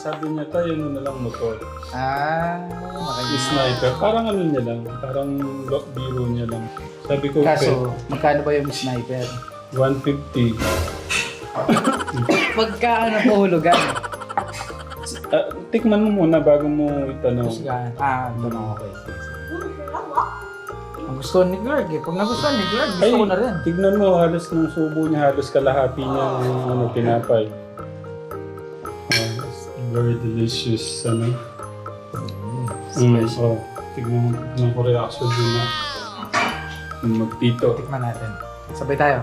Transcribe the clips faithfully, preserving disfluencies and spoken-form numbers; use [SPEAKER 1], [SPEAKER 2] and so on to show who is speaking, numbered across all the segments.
[SPEAKER 1] sabi niya tayo ano na lang motor.
[SPEAKER 2] Ah, makikita.
[SPEAKER 1] Sniper. Parang ano niya lang. Parang lo- biro niya lang. Sabi ko,
[SPEAKER 2] Kaso, magkano ba yung sniper?
[SPEAKER 1] one fifty.
[SPEAKER 2] Magkano pahulugan?
[SPEAKER 1] Ah, tikman mo muna bago mo itanong.
[SPEAKER 2] Husgahan. Ah, ito na okay. Sige, sige. Ang gusto ni Clark eh. Pag nagustuhan ni Clark, gusto
[SPEAKER 1] Ay,
[SPEAKER 2] ko na rin.
[SPEAKER 1] tignan mo, halos ng subo niya, halos kalahati niya yung ano, tinapay. Ah, very delicious, ano. Mm, oh, tignan mo, tignan ko reaction din na. Magtito.
[SPEAKER 2] Tikman natin. Sabay tayo.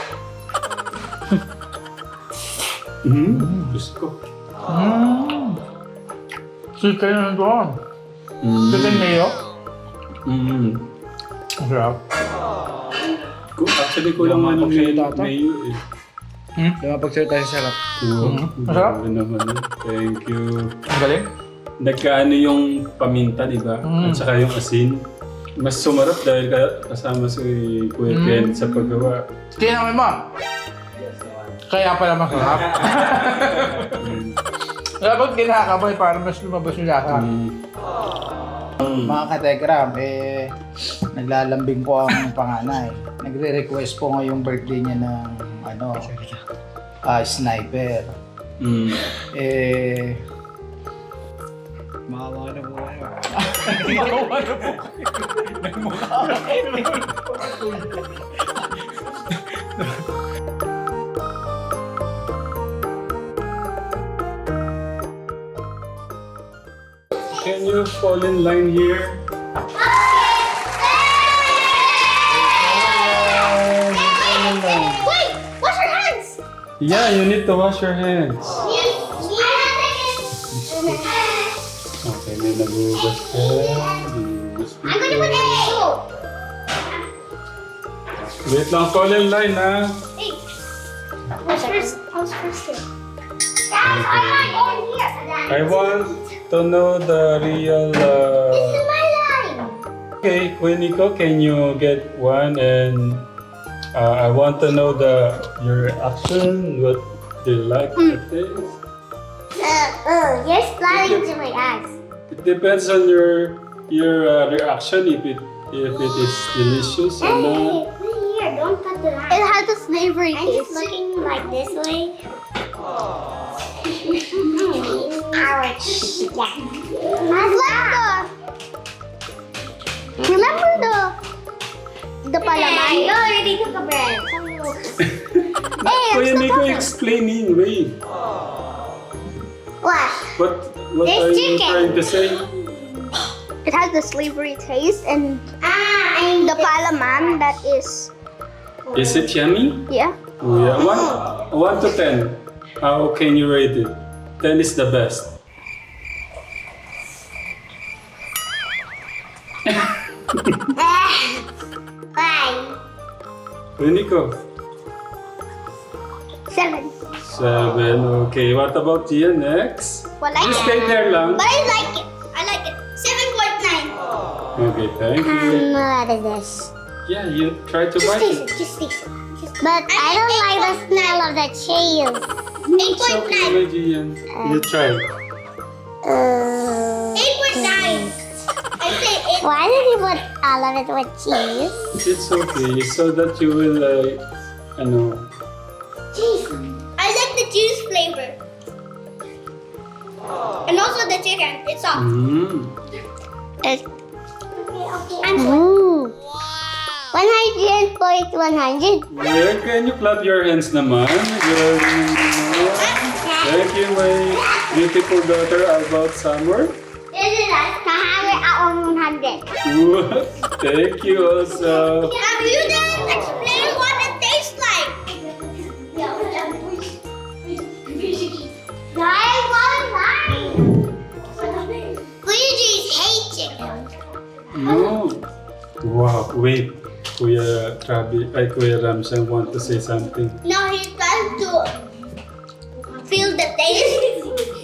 [SPEAKER 1] Mm, Diyos ko.
[SPEAKER 2] Mmm. Chicken na doon.
[SPEAKER 1] Mm.
[SPEAKER 2] Chicken mayo.
[SPEAKER 1] Mm.
[SPEAKER 2] Ang sarap.
[SPEAKER 1] Ku- Actually, kulang nga ng mayo, mayo eh.
[SPEAKER 2] Hmm? Lumapagsalita sa sarap.
[SPEAKER 1] Wow,
[SPEAKER 2] Mhm. Masarap?
[SPEAKER 1] grabe naman eh. Thank you.
[SPEAKER 2] Ang galing.
[SPEAKER 1] Nagkaano yung paminta, di ba?
[SPEAKER 2] Mm.
[SPEAKER 1] At saka yung asin. Mas sumarap dahil ka- kasama si Kuya
[SPEAKER 2] Mm.
[SPEAKER 1] Ken sa paggawa.
[SPEAKER 2] Tinamay mo. Kaya pala masarap.
[SPEAKER 1] Mm.
[SPEAKER 2] Dapat kinakabay para mas lumabas yung lasa.
[SPEAKER 1] Mm.
[SPEAKER 2] Mga kategram, eh, naglalambing po ang panganay. Nagre-request po ngayong birthday niya ng, ano, ah, sniper.
[SPEAKER 1] Mm.
[SPEAKER 2] Eh,
[SPEAKER 3] Maawa na po kayo.
[SPEAKER 2] Maawa na po kayo. Nagmukha
[SPEAKER 1] Can you fall in line here?
[SPEAKER 4] Wait! Wash your hands!
[SPEAKER 1] Yeah, you need to wash your hands. Okay, may nagugas ka. Nagugas
[SPEAKER 4] I'm gonna put
[SPEAKER 1] dito.
[SPEAKER 4] in soap.
[SPEAKER 1] Wait lang, fall in line ha.
[SPEAKER 4] Hey, who's first? Who's first here? Guys, I'm not going here.
[SPEAKER 1] I want to know the real...
[SPEAKER 4] This is
[SPEAKER 1] Uh...
[SPEAKER 4] my line.
[SPEAKER 1] Okay, Quinico, can you get one and uh, I want to know the your reaction. What do you like the taste?
[SPEAKER 4] Uh, uh, you're sliding to my eyes.
[SPEAKER 1] It depends on your your uh, reaction if it if it is delicious or
[SPEAKER 4] Hey,
[SPEAKER 1] not.
[SPEAKER 4] hey, here, don't cut the line.
[SPEAKER 5] It has a slavery
[SPEAKER 4] I'm just
[SPEAKER 5] taste.
[SPEAKER 4] looking like this way. Ouch. Yeah.
[SPEAKER 5] It's like the. Remember the the
[SPEAKER 4] Hey,
[SPEAKER 5] palaman?
[SPEAKER 4] you already took a breath.
[SPEAKER 5] Hey, I'm
[SPEAKER 1] Kuya
[SPEAKER 5] still
[SPEAKER 1] Nico,
[SPEAKER 5] talking.
[SPEAKER 1] explaining, wait.
[SPEAKER 4] What?
[SPEAKER 1] What what
[SPEAKER 4] There's
[SPEAKER 1] are you
[SPEAKER 4] chicken.
[SPEAKER 1] trying to say?
[SPEAKER 5] It has the slavery taste and
[SPEAKER 4] Ah, I
[SPEAKER 5] the palaman that is
[SPEAKER 1] Is it yummy?
[SPEAKER 5] yeah.
[SPEAKER 1] Oh yeah. One one to ten. How can you rate it? Ten is the best.
[SPEAKER 4] Five.
[SPEAKER 1] Kuya Nico.
[SPEAKER 5] Seven.
[SPEAKER 1] Seven. Okay. What about Gian next?
[SPEAKER 5] Well, I
[SPEAKER 1] You stay there lang.
[SPEAKER 4] But I like it. I like it. Seven point nine.
[SPEAKER 1] Okay, thank you.
[SPEAKER 5] um, what is this?
[SPEAKER 1] Yeah, you try to
[SPEAKER 4] Just
[SPEAKER 1] bite
[SPEAKER 4] taste
[SPEAKER 1] it.
[SPEAKER 4] it. Just taste it. Just
[SPEAKER 5] But I don't like the smell of the cheese.
[SPEAKER 4] eight
[SPEAKER 1] It's
[SPEAKER 4] point
[SPEAKER 1] okay,
[SPEAKER 4] nine.
[SPEAKER 1] my Gian. You try.
[SPEAKER 5] Uh,
[SPEAKER 4] Eight point nine. I say eight.
[SPEAKER 5] why did you put all of it with cheese?
[SPEAKER 1] It's okay, so that you will, like, ano,
[SPEAKER 4] Cheese. I like the cheese flavor. And also the chicken. It's soft.
[SPEAKER 1] mm.
[SPEAKER 5] It,
[SPEAKER 4] Okay, okay. I'm sorry.
[SPEAKER 5] ooh. one hundred point one hundred.
[SPEAKER 1] Yeah, can you clap your hands naman? Good. Thank you, my beautiful daughter, Albert Summer.
[SPEAKER 4] This is us.
[SPEAKER 5] Kahawi ako one hundred.
[SPEAKER 1] Thank you also.
[SPEAKER 4] Now you didn't explain what it tastes like. Guys, what is that? Luigi's hate chicken.
[SPEAKER 1] No. Wow, wait. Kuya Krabi, ay Kuya Ramshan want to say something.
[SPEAKER 4] No, he's trying to feel the taste.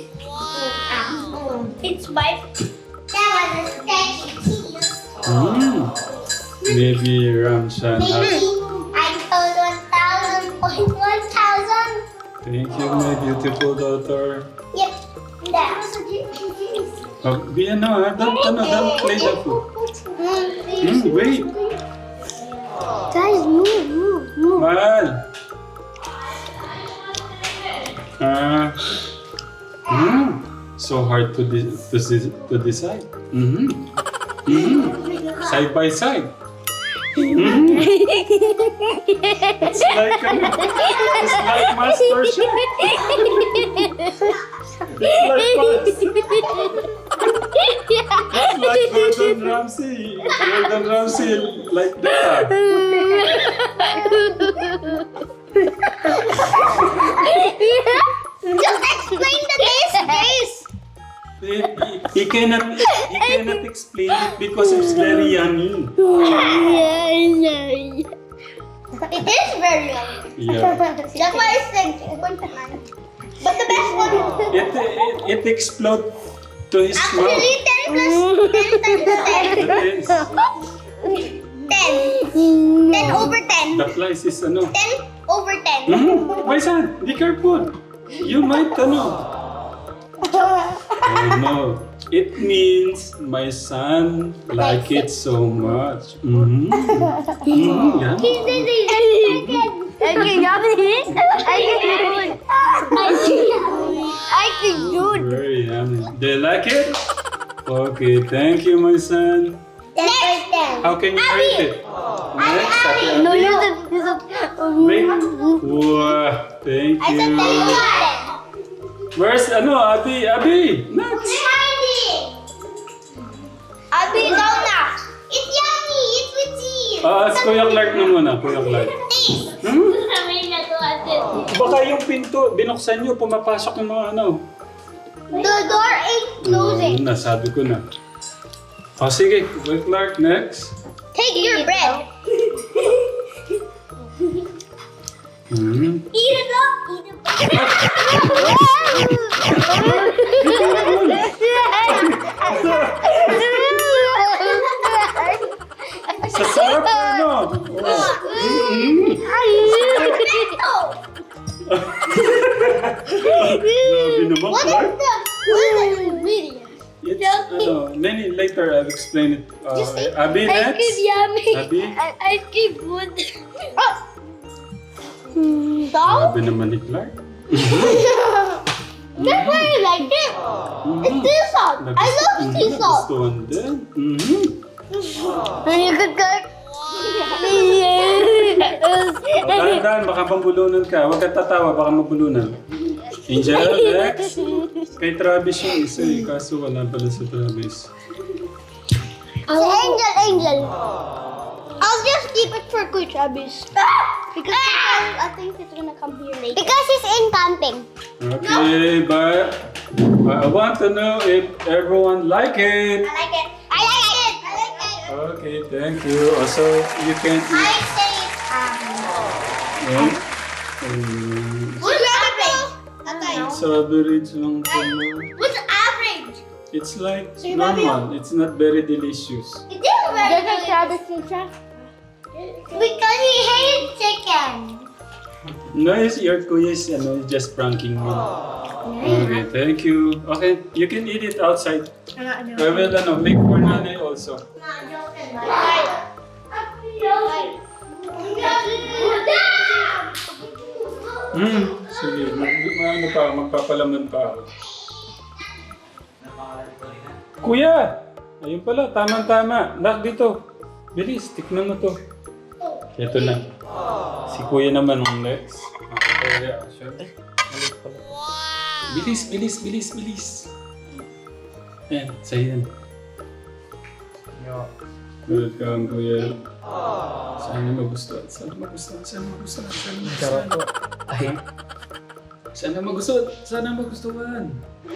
[SPEAKER 4] Wow. It's my. That was a stretchy cheese.
[SPEAKER 1] Mm. Maybe Ramshan
[SPEAKER 4] Maybe
[SPEAKER 1] has...
[SPEAKER 4] I told one thousand point one thousand.
[SPEAKER 1] Thank you, my beautiful daughter.
[SPEAKER 4] Yep. That
[SPEAKER 1] Oh, be ano ha? Don't, ano, don't play the food. Hmm, wait.
[SPEAKER 5] Guys, move, move, move.
[SPEAKER 1] Mahal. Ah. Hmm. So hard to de- to, de- to decide. Mm-hmm. Mm-hmm. Side by side. Mm-hmm. It's like ano, it's like Master Chef. It's like Master. It's like Gordon Ramsay. Gordon Ramsay like that.
[SPEAKER 5] Just explain the taste, guys.
[SPEAKER 1] He, he cannot he cannot explain it because it's very yummy.
[SPEAKER 5] It is very yummy.
[SPEAKER 1] Yeah.
[SPEAKER 5] That's why I said one time. But the best one,
[SPEAKER 1] It it, it explodes to his mouth.
[SPEAKER 5] actually ten plus ten times ten.
[SPEAKER 1] It is.
[SPEAKER 5] ten. ten over ten.
[SPEAKER 1] The flies is ano.
[SPEAKER 5] ten over ten.
[SPEAKER 1] Hmm? My son, be careful. You might ano. Oh no. It means my son like it so much. Mm-hmm. Mm-hmm. Yeah.
[SPEAKER 5] I can yummy. I can good. I can good.
[SPEAKER 1] Very yummy. Do you like it? Okay, thank you, my son.
[SPEAKER 5] ten by ten.
[SPEAKER 1] How can you rate it? Next, Ate
[SPEAKER 5] No,
[SPEAKER 1] Abby.
[SPEAKER 5] you're the. You're the
[SPEAKER 1] Wait. Wow, thank
[SPEAKER 5] I said ten
[SPEAKER 1] you.
[SPEAKER 5] over ten.
[SPEAKER 1] Where's ano, Abby? Abby, next.
[SPEAKER 5] Abi, ikaw na. It's yummy. It's with cheese.
[SPEAKER 1] Ah, uh, Kuya Clark na muna, Kuya Clark.
[SPEAKER 5] Taste.
[SPEAKER 1] Hmm? Baka yung pinto, binuksan nyo, pumapasok yung mga ano.
[SPEAKER 5] The door is closing.
[SPEAKER 1] Hmm, nasabi ko na. O sige, Kuya Clark, next.
[SPEAKER 5] Take your bread.
[SPEAKER 1] Hmm.
[SPEAKER 5] Eat it up. Eat it
[SPEAKER 1] Sa sarap na ano. Oh. Hmm. Grabe naman,
[SPEAKER 5] What is
[SPEAKER 1] Clark.
[SPEAKER 5] the what is the ingredient?
[SPEAKER 1] It's, ano, many later I'll explain it. Uh, Abby, next.
[SPEAKER 5] yummy.
[SPEAKER 1] Abby.
[SPEAKER 5] Ice cream good. Salt?
[SPEAKER 1] Grabe naman ni Clark.
[SPEAKER 5] That's why I like it. It's sea salt. I love sea salt.
[SPEAKER 1] Nagustuhan din. Mhm.
[SPEAKER 5] And you could cook.
[SPEAKER 1] O, dahan-dahan, baka mabulunan ka. Huwag ka tatawa, baka mabulunan. Angel, next. Kay Travis yung isa eh, kaso wala pala si Travis.
[SPEAKER 5] Si Angel, Angel. I'll just keep it for Kuya Travis. Because I think it's gonna come here later. Because he's in camping.
[SPEAKER 1] Okay, but I want to know if everyone like it.
[SPEAKER 5] I like it. I like it. I like it.
[SPEAKER 1] Okay, thank you. Also, you can
[SPEAKER 5] I
[SPEAKER 1] eat.
[SPEAKER 5] say um.
[SPEAKER 1] Um, um,
[SPEAKER 5] What's average? Okay.
[SPEAKER 1] sa average lang po.
[SPEAKER 5] What's average?
[SPEAKER 1] It's like
[SPEAKER 5] So you love
[SPEAKER 1] normal. It's not very delicious.
[SPEAKER 5] It is very good. Travis because he hated chicken.
[SPEAKER 1] No, it's your kuya is ano, just pranking me. Okay, thank you. Okay, you can eat it outside. I will ano, make for nanay also.
[SPEAKER 5] Not joking. Right.
[SPEAKER 1] Hmm, sige. Mag, ano pa, magpapalaman pa ako. Kuya! Ayun pala, tamang-tama. Nak, dito. Bilis, tikman mo to. Ito na. Si kuya naman ang next. Okay, reaction. Bilis, bilis, bilis, bilis. Ayan, sa'yo yan. Welcome, kuya. Sana magustuhan, sana magustuhan, sana magustuhan, sana magustuhan.
[SPEAKER 2] Ay,
[SPEAKER 1] Sana magustuhan, sana magustuhan.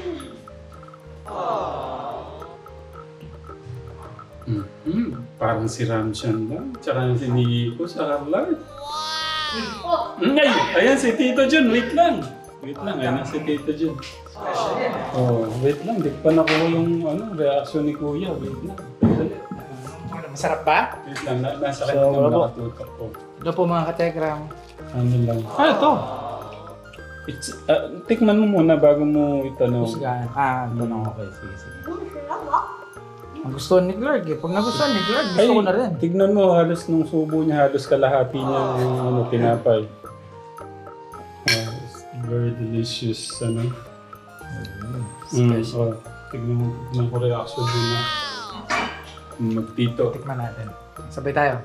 [SPEAKER 1] Mm-hmm. Parang si Ramshan lang. Tsaka si Nico sa Harlard. Mm, ay, ayan si Tito Jun. Wait lang. Wait lang, ayan si Tito Jun. Oh, wait lang. Di pa nakuha yung ano, reaction ni Kuya. Wait lang.
[SPEAKER 2] masarap ba?
[SPEAKER 1] Wait lang, na, nasa
[SPEAKER 2] So,
[SPEAKER 1] kanya
[SPEAKER 2] wala
[SPEAKER 1] nang
[SPEAKER 2] po.
[SPEAKER 1] nakatutok ko.
[SPEAKER 2] Ano po mga kategram?
[SPEAKER 1] Ano lang.
[SPEAKER 2] Ah, ito.
[SPEAKER 1] It's, ah, tikman mo muna bago mo itanong.
[SPEAKER 2] Husgahan. Ah, tanong okay. Sige, sige. Ang gusto ni Clark eh. Pag nagustuhan ni Clark, gusto ko na rin.
[SPEAKER 1] Tignan mo, halos nung subo niya, halos kalahati niya yung ano, tinapay. Ah, it's very delicious, ano. Mm, oh, tignan mo, tignan ko reaction din na. Magtito.
[SPEAKER 2] Tikman natin. Sabay tayo.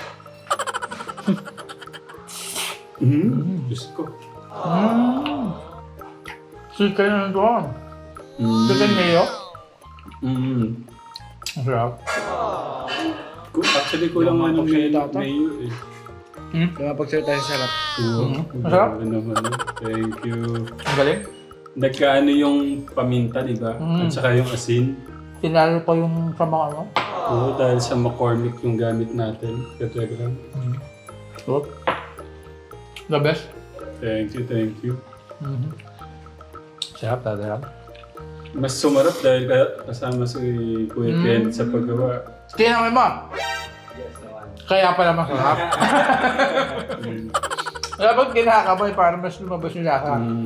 [SPEAKER 1] Mm, Diyos ko.
[SPEAKER 2] Mmm. Chicken na doon.
[SPEAKER 1] Mm.
[SPEAKER 2] Chicken mayo.
[SPEAKER 1] Mm.
[SPEAKER 2] Ang sarap.
[SPEAKER 1] Ku- Actually, kulang nga ng mayo, mayo eh.
[SPEAKER 2] Hmm? Lumapagsalita sa sarap.
[SPEAKER 1] Oo.
[SPEAKER 2] Masarap?
[SPEAKER 1] Grabe naman. Thank you.
[SPEAKER 2] Ang galing.
[SPEAKER 1] Nagkaano yung paminta, di ba?
[SPEAKER 2] Mm.
[SPEAKER 1] At saka yung asin.
[SPEAKER 2] Tinalo pa yung sa mga ano.
[SPEAKER 1] Oo, dahil sa McCormick yung gamit natin. Kategram.
[SPEAKER 2] Mm. Sarap. The best.
[SPEAKER 1] Thank you, thank you.
[SPEAKER 2] Mm-hmm. Sarap, tadarap.
[SPEAKER 1] Mas sumarap dahil ka- kasama si Kuya
[SPEAKER 2] Mm.
[SPEAKER 1] Ken sa paggawa.
[SPEAKER 2] Tingnan mo mo. Kaya pala masarap.
[SPEAKER 1] Mm.
[SPEAKER 2] Dapat kinakamoy para mas lumabas yung lasa.
[SPEAKER 1] Mm.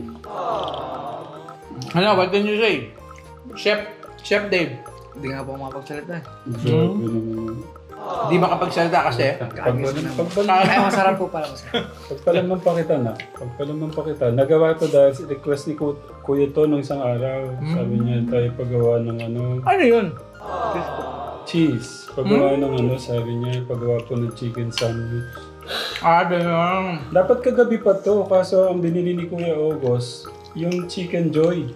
[SPEAKER 2] Ano, what can you say? Chef, Chef Dave.
[SPEAKER 3] Hindi nga po makapagsalita.
[SPEAKER 1] Grabe naman.
[SPEAKER 2] Di makapagsalita kasi.
[SPEAKER 1] Pagpalam
[SPEAKER 3] Ay, masarap po pala. Masarap.
[SPEAKER 1] pagpalam pa kita na. Pagpalam pa kita. Nagawa ko dahil sa request ni Ku- Kuya to nung isang araw. Sabi niya tayo paggawa ng ano,
[SPEAKER 2] Ano yun?
[SPEAKER 1] cheese. Paggawa ng ano, sabi niya, paggawa po ng chicken sandwich.
[SPEAKER 2] Ah, ganyan.
[SPEAKER 1] Dapat kagabi pa to, kaso ang binili ni Kuya August, yung Chicken Joy.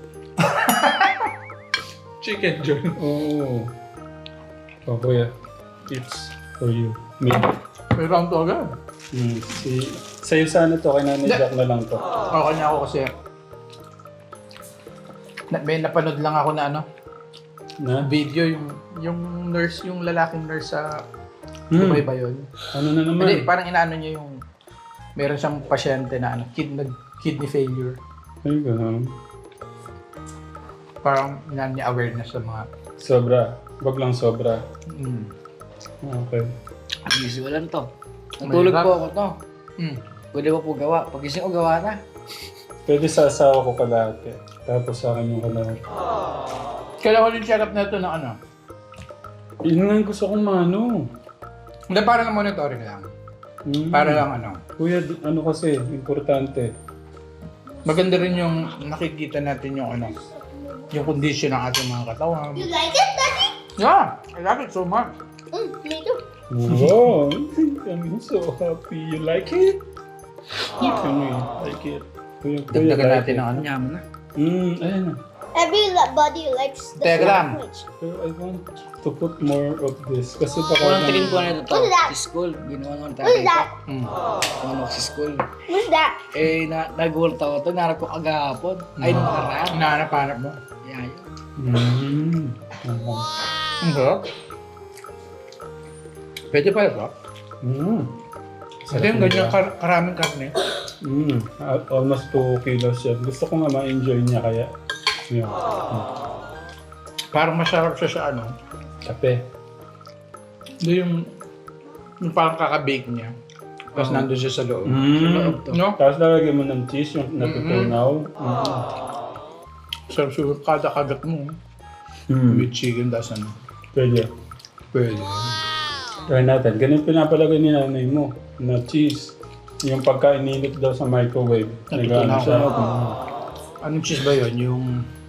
[SPEAKER 2] Chicken joy.
[SPEAKER 1] Oo. Oh, Kuya, it's for you. Me.
[SPEAKER 2] May round to agad.
[SPEAKER 1] Hmm. Si, sa'yo sana to, kay Nanay Jack na lang to.
[SPEAKER 2] Okay na ako kasi. Na, may napanood lang ako na ano,
[SPEAKER 1] Na?
[SPEAKER 2] video yung yung nurse, yung lalaking nurse sa
[SPEAKER 1] Hmm.
[SPEAKER 2] Dubai ba yun?
[SPEAKER 1] Ano na naman?
[SPEAKER 2] Hindi, parang inaano niya yung meron siyang pasyente na ano, kid, nag, kidney failure.
[SPEAKER 1] Ay, gano'n.
[SPEAKER 2] Parang inaano niya awareness sa mga
[SPEAKER 1] Sobra. Wag lang sobra.
[SPEAKER 2] mm,
[SPEAKER 1] Okay.
[SPEAKER 3] Usual lang to. Natulog
[SPEAKER 2] Mahirap.
[SPEAKER 3] po ako to.
[SPEAKER 2] mm.
[SPEAKER 3] Pwede ba po gawa? Pagising ko gawa na.
[SPEAKER 1] Pwede sa asawa ko kalahati. Tapos sa akin yung kalahati.
[SPEAKER 2] Kailangan ko yung check up na ito ng ano.
[SPEAKER 1] Yun nga yung gusto kong mano.
[SPEAKER 2] Hindi, para na monitoring lang.
[SPEAKER 1] Hmm.
[SPEAKER 2] Para lang ano.
[SPEAKER 1] Kuya, d- ano kasi, importante.
[SPEAKER 2] Maganda rin yung nakikita natin yung ano, yung condition ng ating mga katawan.
[SPEAKER 5] You like it, Daddy?
[SPEAKER 2] Yeah, I love it so much.
[SPEAKER 5] Mm, me too.
[SPEAKER 1] Wow! I'm so happy. You like it? Yeah. Kami, like it. Kuya, kuya,
[SPEAKER 2] Dagdagan
[SPEAKER 1] like
[SPEAKER 2] natin
[SPEAKER 1] it.
[SPEAKER 2] ng ano.
[SPEAKER 3] Yaman na.
[SPEAKER 1] Hmm, ayan na.
[SPEAKER 5] Every la- body likes the
[SPEAKER 2] Telegram.
[SPEAKER 5] sandwich.
[SPEAKER 1] Pero I want to put more of this. Kasi baka...
[SPEAKER 3] Unang tingin po na ito to.
[SPEAKER 5] What's that?
[SPEAKER 3] Si school. Ginawa naman
[SPEAKER 5] What is
[SPEAKER 3] tayo.
[SPEAKER 5] that?
[SPEAKER 2] Mm.
[SPEAKER 3] Ano si school.
[SPEAKER 5] What's that?
[SPEAKER 3] Eh, na, nag-world ako to. Narap ko agahapon. Ay, nung nakaraan.
[SPEAKER 2] Hinahanap-hanap mo.
[SPEAKER 3] Yeah, yun.
[SPEAKER 1] Hmm. Okay.
[SPEAKER 2] Ang sarap. Pwede pala ba?
[SPEAKER 1] Hmm.
[SPEAKER 2] Kasi yung ganyan kar- karaming karne.
[SPEAKER 1] Mm, al- almost two kilos yan. Gusto ko nga ma-enjoy niya kaya. Yun. Mm.
[SPEAKER 2] Parang masarap siya sa ano.
[SPEAKER 1] Kape.
[SPEAKER 2] Hindi yung, yung parang kakabake niya. Tapos nandun siya sa loob.
[SPEAKER 1] Mm.
[SPEAKER 2] No?
[SPEAKER 1] Tapos lalagyan mo ng cheese, yung natutunaw. Mm.
[SPEAKER 2] Sarap siguro kada kagat mo.
[SPEAKER 1] Mm.
[SPEAKER 2] With chicken, tas ano.
[SPEAKER 1] Pwede.
[SPEAKER 2] Pwede.
[SPEAKER 1] Try natin. Ganun pinapalagay ni nanay mo na cheese. Yung pagka ininit daw sa microwave.
[SPEAKER 2] Natutunaw.
[SPEAKER 1] Nag-ano siya.
[SPEAKER 2] Anong cheese ba yun? Yung...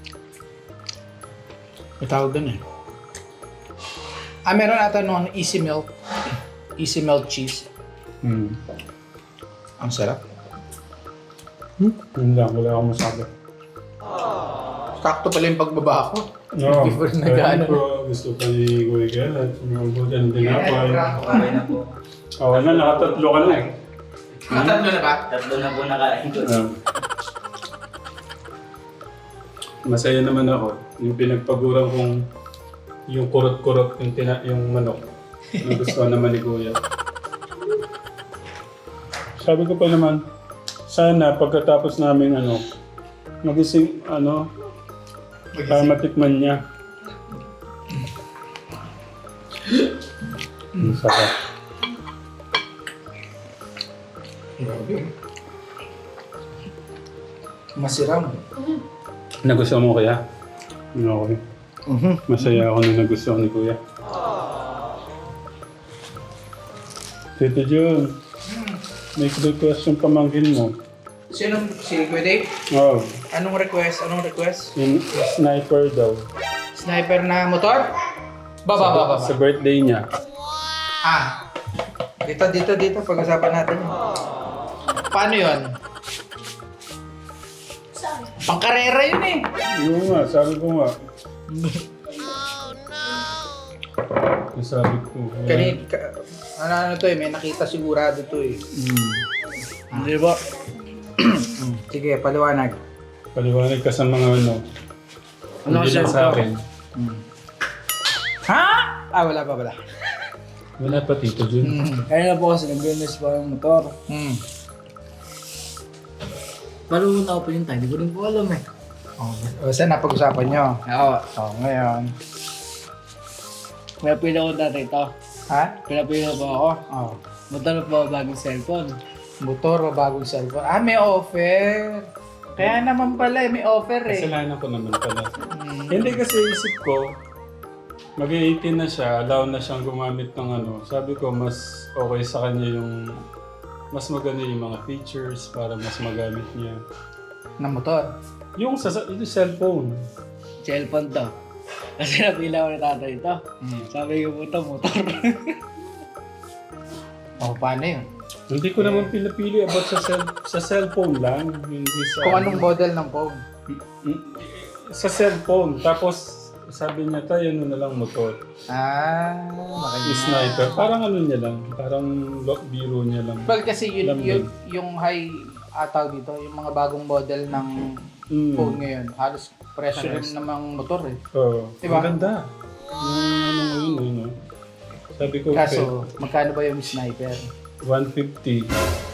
[SPEAKER 2] May tawag doon eh. Ah, meron ata nung easy melt. Easy melt cheese.
[SPEAKER 1] Mm.
[SPEAKER 2] Ang sarap.
[SPEAKER 1] Hmm? Yun lang. Wala akong masabi.
[SPEAKER 2] Sakto pala yung pagbaba ko.
[SPEAKER 1] No.
[SPEAKER 2] Before nag-ano.
[SPEAKER 1] Ko, gusto pa ni Kuya Gerard. Umabot ang tinapay.
[SPEAKER 6] Okay na po.
[SPEAKER 1] Oo na, nakatatlo ka na.
[SPEAKER 2] Tatlo na ba?
[SPEAKER 6] Tatlo na po nakain ko.
[SPEAKER 1] Um, masaya naman ako. Yung pinagpaguran kong yung kurot-kurot yung, tina, yung manok. Yung gusto naman ni Kuya. Sabi ko pa naman, sana pagkatapos namin ano, magising ano, para matikman niya. Ang sarap.
[SPEAKER 2] Masiram.
[SPEAKER 1] Nagustuhan mo kaya? Okay.
[SPEAKER 2] Mhm.
[SPEAKER 1] Masaya ako na nagustuhan ni Kuya. Tito John, may request yung pamangkin mo.
[SPEAKER 2] Sino? Si Kuya Dave?
[SPEAKER 1] Oh,
[SPEAKER 2] Anong request? Anong request?
[SPEAKER 1] yung sniper daw.
[SPEAKER 2] Sniper na motor? Baba, baba, baba.
[SPEAKER 1] Sa birthday niya.
[SPEAKER 2] Ah. Dito, dito, dito. Pag-usapan natin. Paano yun? Pangkarera yun eh.
[SPEAKER 1] Yung nga, sabi ko nga. Yung sabi ko.
[SPEAKER 2] Kani, ka, ano, ano to eh, may nakita sigurado to eh.
[SPEAKER 3] Hindi ba?
[SPEAKER 2] Sige, paliwanag.
[SPEAKER 1] Paliwanag ka sa mga ano.
[SPEAKER 3] Ano
[SPEAKER 1] Hindi lang
[SPEAKER 3] siya
[SPEAKER 1] sa akin.
[SPEAKER 2] Ha? Ah, wala pa, wala.
[SPEAKER 1] Wala pa Tito John.
[SPEAKER 2] Hmm.
[SPEAKER 3] Kaya na po kasi nag-business pa yung motor.
[SPEAKER 2] Hmm.
[SPEAKER 3] Malunod ako pa yung time, hindi ko rin po alam eh.
[SPEAKER 2] Oh, o, saan napag-usapan nyo?
[SPEAKER 3] Oo.
[SPEAKER 2] Oh, ngayon.
[SPEAKER 3] Pinapila ko dati ito.
[SPEAKER 2] Ha?
[SPEAKER 3] Pinapila po ako.
[SPEAKER 2] Oh.
[SPEAKER 3] Motor po bagong cellphone.
[SPEAKER 2] Motor o bagong cellphone? Ah, may offer. Kaya naman pala, eh, may offer eh.
[SPEAKER 1] Kasalanan ko naman pala.
[SPEAKER 2] Hmm.
[SPEAKER 1] Hindi kasi isip ko, mag-eighteen na siya, allow na siyang gumamit ng ano. Sabi ko, mas okay sa kanya yung, mas maganda yung mga features para mas magamit niya.
[SPEAKER 2] Na motor?
[SPEAKER 1] Yung sa yung cellphone.
[SPEAKER 3] Cellphone to. Kasi napila ko na tatay ito.
[SPEAKER 2] Hmm.
[SPEAKER 3] Sabi ko po ito, motor.
[SPEAKER 2] Oh, paano yun?
[SPEAKER 1] Hindi ko naman pinapili about sa cell, sa cellphone lang. Hindi sa,
[SPEAKER 2] Kung anong model ng phone?
[SPEAKER 1] Sa cellphone. Tapos, sabi niya tayo, ano na lang motor.
[SPEAKER 2] Ah,
[SPEAKER 1] Yung
[SPEAKER 2] makikita.
[SPEAKER 1] sniper. Parang ano niya lang. Parang lo- biro niya lang.
[SPEAKER 2] Well, kasi yun,
[SPEAKER 1] Lambing.
[SPEAKER 2] yun, yung high ataw dito, yung mga bagong model ng
[SPEAKER 1] Mm.
[SPEAKER 2] phone ngayon, halos presyo rin namang motor eh.
[SPEAKER 1] Oo.
[SPEAKER 2] Diba?
[SPEAKER 1] Ang ganda. Yung ano ngayon, ano. Sabi ko,
[SPEAKER 2] Kaso, magkano ba yung sniper?
[SPEAKER 1] one fifty.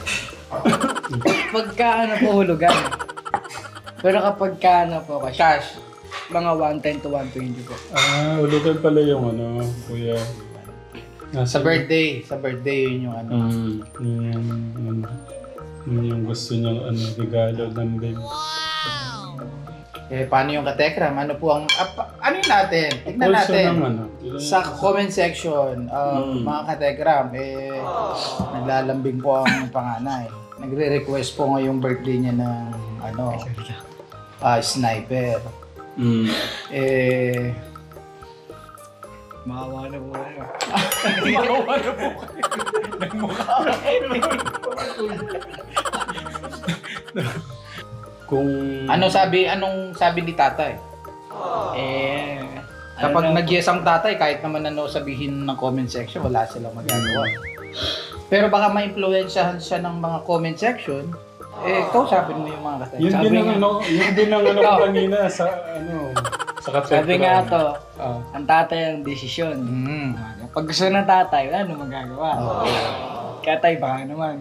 [SPEAKER 3] Pagka ano po hulugan. Pero kapag ka ano po cash,
[SPEAKER 2] Cash.
[SPEAKER 3] mga one ten to one twenty po.
[SPEAKER 1] Ah, ulugan pala yung ano, kuya.
[SPEAKER 2] Sa birthday, sa birthday yun yung ano.
[SPEAKER 1] Mm, yung, yung, yung, yung gusto niyang ano, regalo ng babe.
[SPEAKER 2] Eh, paano yung katekram? Ano po ang, ah, pa- ano yun natin? Tignan
[SPEAKER 1] Also
[SPEAKER 2] natin.
[SPEAKER 1] ng ano. yun-
[SPEAKER 2] Sa comment section, um,
[SPEAKER 1] Mm.
[SPEAKER 2] mga katekram, eh, naglalambing po ang panganay. Nagre-request po ngayong birthday niya ng, ano, ah, sniper.
[SPEAKER 1] Mm.
[SPEAKER 2] Eh,
[SPEAKER 3] Makawa na po kayo.
[SPEAKER 1] Kung...
[SPEAKER 2] ano sabi, anong sabi ni tatay?
[SPEAKER 3] Eh,
[SPEAKER 2] Kapag
[SPEAKER 3] ano na-
[SPEAKER 2] nag-yes ang tatay, kahit naman ano sabihin ng comment section, wala silang magagawa. Pero baka ma-influensyahan siya ng mga comment section, eh, kausapin mo yung mga katay.
[SPEAKER 1] Yun
[SPEAKER 3] Sabi
[SPEAKER 1] din ang
[SPEAKER 3] nga-
[SPEAKER 1] ano, yun din ang ano ko kanina sa ano, sa katekra.
[SPEAKER 3] sabi nga to,
[SPEAKER 2] Oh.
[SPEAKER 3] ang tatay ang desisyon.
[SPEAKER 2] Mm.
[SPEAKER 3] Pag gusto ng tatay, wala nang magagawa. Kaya tayo baka naman.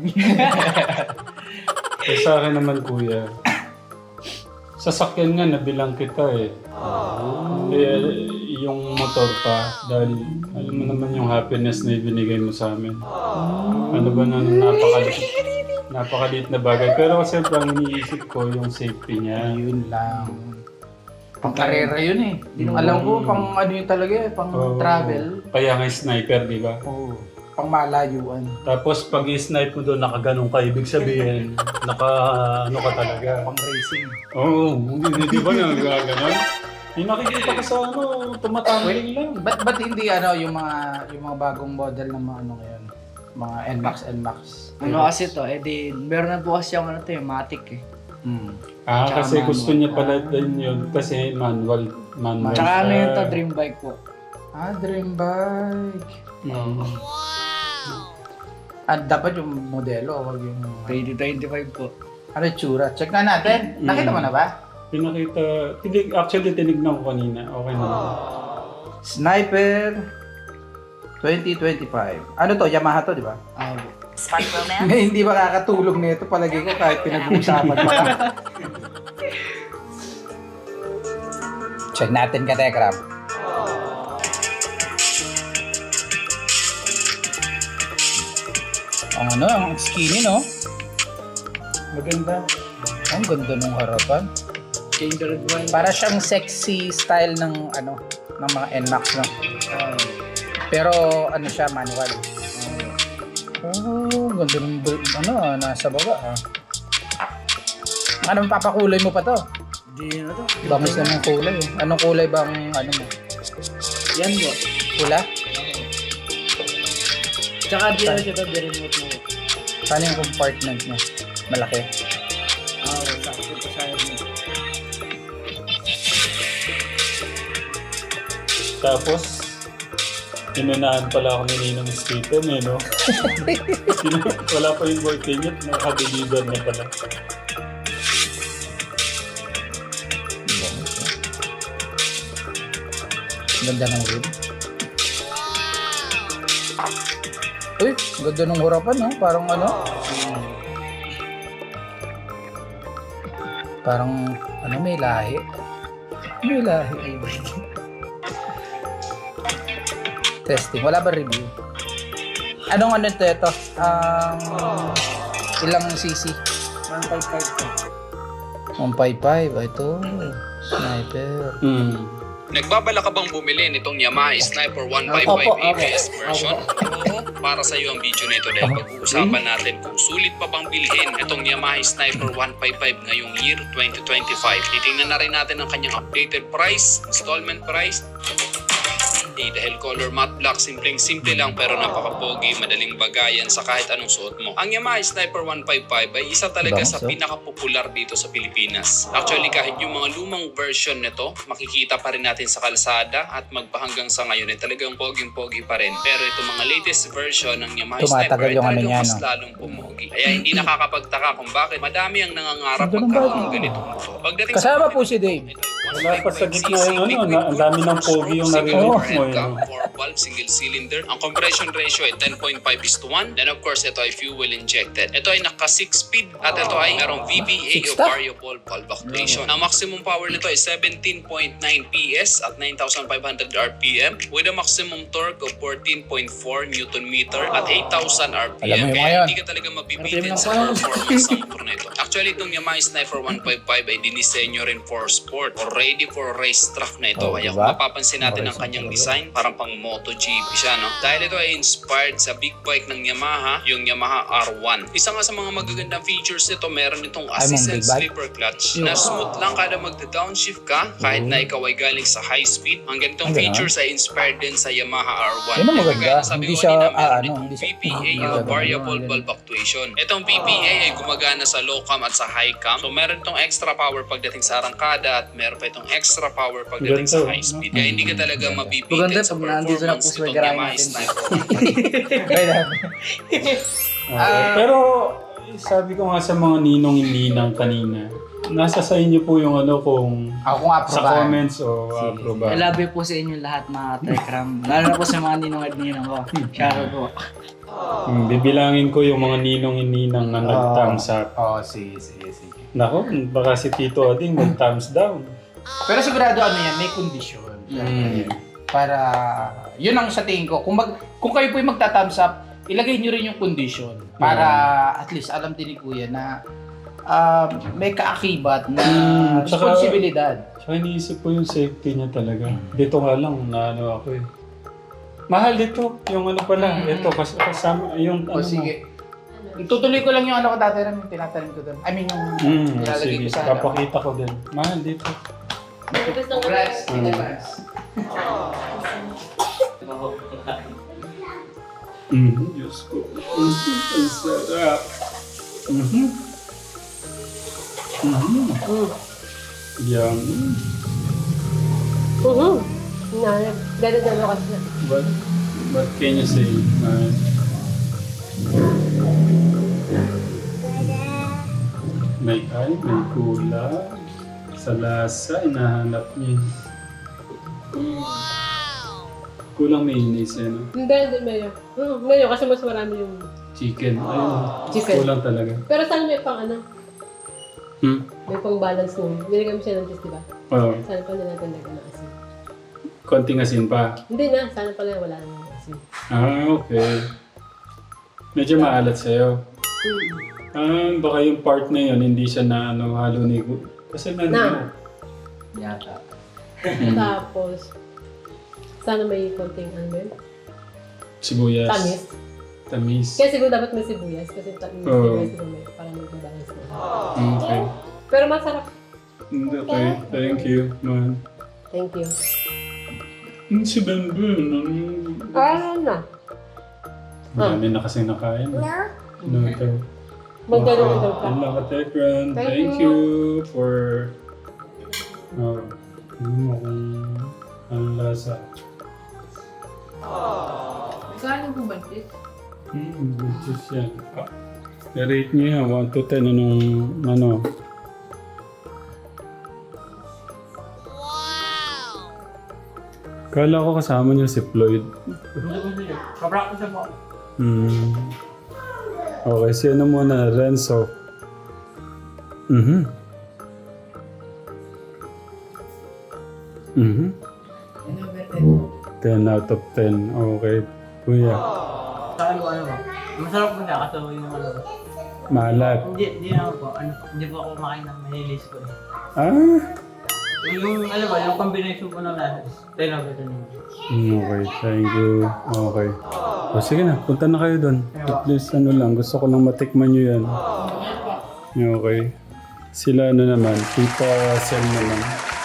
[SPEAKER 1] Eh, sa akin naman kuya, sasakyan nga nabilang kita eh. Eh, yung motor pa, dahil alam mo naman yung happiness na ibinigay mo sa amin. Ano ba na napakalit, napakalit na bagay. Pero siyempre ang iniisip ko yung safety niya.
[SPEAKER 2] Yun lang. Pang karera yun eh. Alam ko, pang ano yun talaga eh, pang
[SPEAKER 1] Oo.
[SPEAKER 2] travel.
[SPEAKER 1] Kaya nga sniper, di ba?
[SPEAKER 2] Oo. Pang malayuan.
[SPEAKER 1] Tapos pag i-snipe mo doon, nakaganong ka, ibig sabihin, naka ano ka talaga.
[SPEAKER 2] Pang racing.
[SPEAKER 1] Oo, hindi di ba nagaganon? Yung nakikita ko sa ano, tumatangling lang.
[SPEAKER 2] Ba't, ba't hindi ano yung mga yung mga bagong model ng mga ano ngayon? Mga N MAX, N MAX.
[SPEAKER 3] ano kasi to, eh di, meron na po kasi yung ano to, yung Matic eh.
[SPEAKER 2] Hmm.
[SPEAKER 1] Ah,
[SPEAKER 3] Tsaka
[SPEAKER 1] kasi gusto
[SPEAKER 3] manual.
[SPEAKER 1] niya pala din yun. Kasi manual. Manual.
[SPEAKER 3] Tsaka ano
[SPEAKER 1] siya.
[SPEAKER 3] yun to, dream bike po.
[SPEAKER 2] Ah, dream bike.
[SPEAKER 1] Mm.
[SPEAKER 2] Ah, dapat yung modelo, wag yung...
[SPEAKER 3] twenty twenty-five po.
[SPEAKER 2] Ano yung tsura? Check na natin. Nakita mo na ba?
[SPEAKER 1] Pinakita, tinig, actually tinignan ko kanina. Okay na.
[SPEAKER 2] Sniper twenty twenty-five. Ano to? Yamaha to, di ba?
[SPEAKER 3] Ah,
[SPEAKER 2] May hindi makakatulog nito palagi ko kahit pinag-uusapan pa. Check natin ka, Tekram. Ang ano, ang skinny, no?
[SPEAKER 1] Maganda.
[SPEAKER 2] Ang ganda ng harapan.
[SPEAKER 3] Chamber one.
[SPEAKER 2] Para siyang sexy style ng ano, ng mga N MAX, no? Pero ano siya, manual. Oh, ganda ng br- ano, ah, nasa baba ah. Ano, papakulay mo pa to?
[SPEAKER 3] Di na to.
[SPEAKER 2] Bangis na ng kulay eh. Anong kulay bang ano mo?
[SPEAKER 3] Yan mo.
[SPEAKER 2] Pula?
[SPEAKER 3] Tsaka di na siya to, di remote mo.
[SPEAKER 2] Paano yung compartment niya? Malaki.
[SPEAKER 3] Ah, sakto pa sa mo.
[SPEAKER 1] Tapos, inunahan pala ako ni Ninong Stito, eh, no? Wala pa yung birthday niya, nakadeliver na pala.
[SPEAKER 2] Ganda ng wood. Uy, ganda ng harapan, no? Parang ano? Parang, ano, may lahi. May lahi. Testing. Wala ba review? Anong ano ito? Ito? Ang ilang cc?
[SPEAKER 3] one fifty-five to.
[SPEAKER 2] one fifty-five. Ito. Sniper.
[SPEAKER 1] Hmm.
[SPEAKER 7] Nagbabala ka bang bumili nitong Yamaha Sniper one
[SPEAKER 3] Opo,
[SPEAKER 7] fifty-five
[SPEAKER 3] opo.
[SPEAKER 7] A B S version? Oo, para sa iyo ang video na ito dahil pag-uusapan natin kung sulit pa bang bilhin itong Yamaha Sniper one fifty-five ngayong year twenty twenty-five. Titingnan na rin natin ang kanyang updated price, installment price, hindi dahil color matte black, simpleng simple lang pero napaka-pogi, madaling bagayan sa kahit anong suot mo. Ang Yamaha Sniper one fifty-five ay isa talaga sa
[SPEAKER 2] Bangs, oh.
[SPEAKER 7] pinaka-popular dito sa Pilipinas. Actually, kahit yung mga lumang version nito, makikita pa rin natin sa kalsada at magpahanggang sa ngayon ay talagang poging-pogi pa rin. Pero itong mga latest version ng Yamaha
[SPEAKER 2] Tumatagal
[SPEAKER 7] Sniper ay
[SPEAKER 2] yung ano
[SPEAKER 7] talagang
[SPEAKER 2] niya,
[SPEAKER 7] mas
[SPEAKER 2] no?
[SPEAKER 7] lalong pumogi. Kaya hindi nakakapagtaka kung bakit madami ang nangangarap
[SPEAKER 2] Ganda ng
[SPEAKER 7] magkaroon
[SPEAKER 2] bago.
[SPEAKER 7] ng ganitong motor. Pagdating
[SPEAKER 2] Kasama
[SPEAKER 7] sa
[SPEAKER 2] po si Dave.
[SPEAKER 1] Wala pa sa gitna yung ano, na, ang dami ng pogi yung nare-release mo, eh, no?
[SPEAKER 7] four valve, single cylinder. Ang compression ratio ay ten point five is to one. Then of course, ito ay fuel injected. Ito ay naka six speed at ito ay merong V B A o
[SPEAKER 2] Six ta?
[SPEAKER 7] variable valve actuation. Ang maximum power nito ay seventeen point nine P S at nine thousand five hundred R P M with a maximum torque of fourteen point four Newton meter at eight thousand R P
[SPEAKER 2] Alam mo
[SPEAKER 7] M.
[SPEAKER 2] yung mga
[SPEAKER 7] Kaya
[SPEAKER 2] yun.
[SPEAKER 7] hindi ka talaga mabibitin sa performance ng motor na ito. Actually, itong Yamaha Sniper one fifty-five ay dinisenyo rin for sport or ready for race track na ito.
[SPEAKER 2] Oh,
[SPEAKER 7] Kaya
[SPEAKER 2] diba?
[SPEAKER 7] kung mapapansin natin ang kanyang design, parang pang MotoGP siya, no? Dahil ito ay inspired sa big bike ng Yamaha, yung Yamaha R one. Isa nga sa mga magagandang features nito, meron itong
[SPEAKER 2] Ay,
[SPEAKER 7] assist
[SPEAKER 2] mong
[SPEAKER 7] and
[SPEAKER 2] big bike?
[SPEAKER 7] slipper clutch na smooth lang kada magda-downshift ka kahit na ikaw ay galing sa high speed. Ang ganitong
[SPEAKER 2] Ang gano'n?
[SPEAKER 7] features ay inspired din sa Yamaha R one.
[SPEAKER 2] Yun ang
[SPEAKER 7] Kaya
[SPEAKER 2] maganda.
[SPEAKER 7] kagaya ng sabi
[SPEAKER 2] Hindi
[SPEAKER 7] ko
[SPEAKER 2] siya,
[SPEAKER 7] kanina,
[SPEAKER 2] ah,
[SPEAKER 7] meron
[SPEAKER 2] ano,
[SPEAKER 7] itong
[SPEAKER 2] hindi siya-
[SPEAKER 7] V P A
[SPEAKER 2] hindi
[SPEAKER 7] o
[SPEAKER 2] siya
[SPEAKER 7] variable
[SPEAKER 2] ganun.
[SPEAKER 7] valve actuation. Itong V P A ay gumagana sa low cam at sa high cam. So meron itong extra power pagdating sa arangkada at meron pa itong extra power pagdating sa
[SPEAKER 1] Ganito.
[SPEAKER 7] high speed. Kaya hindi ka talaga mabibitin
[SPEAKER 3] Maganda
[SPEAKER 7] sa
[SPEAKER 3] pag nandito na po
[SPEAKER 7] performance
[SPEAKER 3] sa
[SPEAKER 7] nitong
[SPEAKER 3] garahe
[SPEAKER 7] Yamaha
[SPEAKER 3] natin.
[SPEAKER 7] Sniper.
[SPEAKER 1] Okay. Pero, sabi ko nga sa mga ninong-ninang kanina, nasa sa inyo po yung ano kung
[SPEAKER 2] Ako nga
[SPEAKER 1] sa
[SPEAKER 2] aprobahan.
[SPEAKER 1] comments o approve.
[SPEAKER 3] I love you po sa inyo lahat mga Tekram. Lalo na po sa mga ninong at ninong ko. Shoutout po.
[SPEAKER 1] Hmm, bibilangin ko yung mga ninong-ninang na nag-thumbs up.
[SPEAKER 2] Oo, oh, sige, sige, sige.
[SPEAKER 1] Nako, baka si Tito Ading mag-thumbs down.
[SPEAKER 2] Pero sigurado ano yan, may kondisyon.
[SPEAKER 1] Mm.
[SPEAKER 2] Para, yun ang sa tingin ko. Kung, mag, kung kayo po yung magta-thumbs up, ilagay nyo rin yung kondisyon. Para at least alam din ni Kuya na um, may kaakibat na
[SPEAKER 1] Mm, tsaka-
[SPEAKER 2] responsibilidad.
[SPEAKER 1] Tsaka iniisip ko yung safety niya talaga. Dito nga lang, na ano ako eh. Mahal dito, yung ano pala,
[SPEAKER 2] Mm.
[SPEAKER 1] ito, kas kasama, yung
[SPEAKER 2] O
[SPEAKER 1] ano
[SPEAKER 2] sige. Itutuloy ko lang yung ano ko dati rin, yung tinatanim ko doon. I mean, yung
[SPEAKER 1] mo. Mm,
[SPEAKER 2] nilalagay
[SPEAKER 1] sige,
[SPEAKER 2] ko sa
[SPEAKER 1] papakita ko din. Mahal dito.
[SPEAKER 2] Congrats,
[SPEAKER 1] Mm.
[SPEAKER 2] congrats.
[SPEAKER 1] Mhm, Diyos ko. Mhm, ang sarap. Mhm. Mhm. Yum.
[SPEAKER 8] Mhm. Na, ganun na ako kasi.
[SPEAKER 1] What, what can you say, man? May ay, may kulang. Sa lasa, inahanap niya. Kulang may inis eh, no?
[SPEAKER 8] Hindi, hindi mayo. Hmm, mayo kasi mas marami yung...
[SPEAKER 1] Chicken. Ayun.
[SPEAKER 8] Chicken.
[SPEAKER 1] Kulang talaga.
[SPEAKER 8] Pero sana may pang ano,
[SPEAKER 1] Hmm?
[SPEAKER 8] may pang balance nung. Binigay mo siya ng cheese, di ba?
[SPEAKER 1] Oo.
[SPEAKER 8] Sana pa na natin lagyan ng asin.
[SPEAKER 1] Konting asin pa.
[SPEAKER 8] Hindi na, sana pala wala nang asin.
[SPEAKER 1] Ah, okay. Medyo maalat sa'yo.
[SPEAKER 8] Hmm.
[SPEAKER 1] Ah, baka yung part na yun, hindi siya na ano, halo ni... Kasi na...
[SPEAKER 8] Na.
[SPEAKER 6] Yata.
[SPEAKER 8] Tapos, sana may konting ano yun?
[SPEAKER 1] Sibuyas.
[SPEAKER 8] Tamis.
[SPEAKER 1] Tamis.
[SPEAKER 8] Kaya siguro dapat may sibuyas kasi ta- may
[SPEAKER 1] Oo.
[SPEAKER 8] sibuyas siguro may para mag-balance na.
[SPEAKER 1] Okay.
[SPEAKER 8] Pero masarap.
[SPEAKER 1] Okay, thank you, man.
[SPEAKER 8] Thank you.
[SPEAKER 1] Hmm, si Benben, ano yung...
[SPEAKER 8] Ah, na.
[SPEAKER 1] Marami na kasi nakain. No? No, ito.
[SPEAKER 8] Magdalo daw ka.
[SPEAKER 1] Yan lang ka, Tekran.
[SPEAKER 8] Thank
[SPEAKER 1] Thank
[SPEAKER 8] you.
[SPEAKER 1] you for... Oh, ano mo kung anong lasa.
[SPEAKER 8] Kaya po ba ito?
[SPEAKER 1] Hmm, good juice yan. Ah, i-rate niyo yan, one to ten, anong, ano? Kala ko kasama niyo si Floyd.
[SPEAKER 3] Kapractice na po.
[SPEAKER 1] Hmm. Okay, sino muna? Renzo. Mhm. Mhm. ten out of ten. Okay. Kuya.
[SPEAKER 3] Sa akin po ano po. Masarap po siya kasi yung ano.
[SPEAKER 1] Maalat.
[SPEAKER 3] Hindi, hindi naman po. Ano, hindi po ako kumakain ng mahilis po. eh.
[SPEAKER 1] Ah?
[SPEAKER 3] Yung, yung ano ba, yung combination po ng lahat. ten out of ten.
[SPEAKER 1] Hmm, okay, thank you. Okay. O sige na, punta na kayo doon. At least ano lang, gusto ko lang matikman nyo yan. Okay. Sila ano naman, Tita Sel naman.